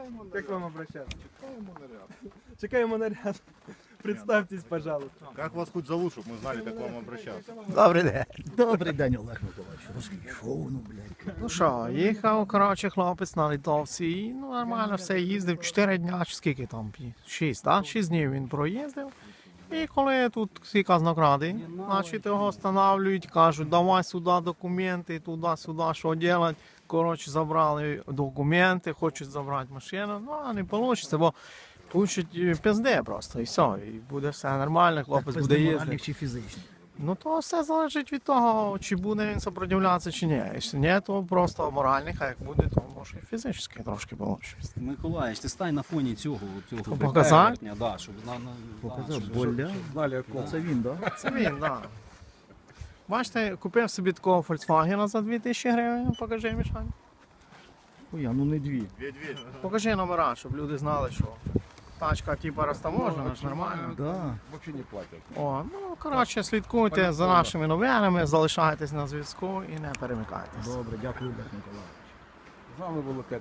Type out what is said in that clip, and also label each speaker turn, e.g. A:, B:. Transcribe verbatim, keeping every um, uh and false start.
A: Как вам обращаться? Чекаємо наряд. Представьтесь, пожалуйста.
B: Как вас хоть зовут, чтобы мы знали, как к вам обращаться?
C: Добрий день. Добрий день, Олег Миколаївич. Розкішов, ну, блядь.
D: Ну що, їхав, коротше, хлопець на літовці і ну, нормально все їздив. Чотири дня, чи скільки там? Шість, так? Шість днів він проїздив. І коли тут всі казнокради, значить його встановлюють, кажуть, давай сюди документи, туди-сюди, що робити. Коротше, забрали документи, хочуть забрати машину, ну, а не вийде, бо получать пизде просто, і все, і буде все нормально, хлопець буде їздити.
C: Чи фізичний?
D: Ну то все залежить від того, чи буде він сопротивлятися, чи ні. Якщо ні, то просто моральних, а як буде, то може і фізично трошки получше.
E: Миколаївич, ти стань на фоні цього, цього
D: Показати?
E: перевертня, да, щоб на, на,
C: Показав,
E: щоб-
C: боля.
A: Знали,
C: Це він, так?
D: Це він, так. Бачите, купив собі такого Volkswagen за дві тисячі гривень, покажи, Мішань.
C: Ой, ну не дві.
B: Медведь.
D: Покажи номера, щоб люди знали, що тачка типу розтаможена, ж нормально.
C: Да.
B: Вообще не платят.
D: О, ну, коротше, слідкуйте за нашими новинами, залишайтесь на зв'язку і не перемикайтесь.
C: Добре, дякую, Олег Миколаївич.
A: З вами було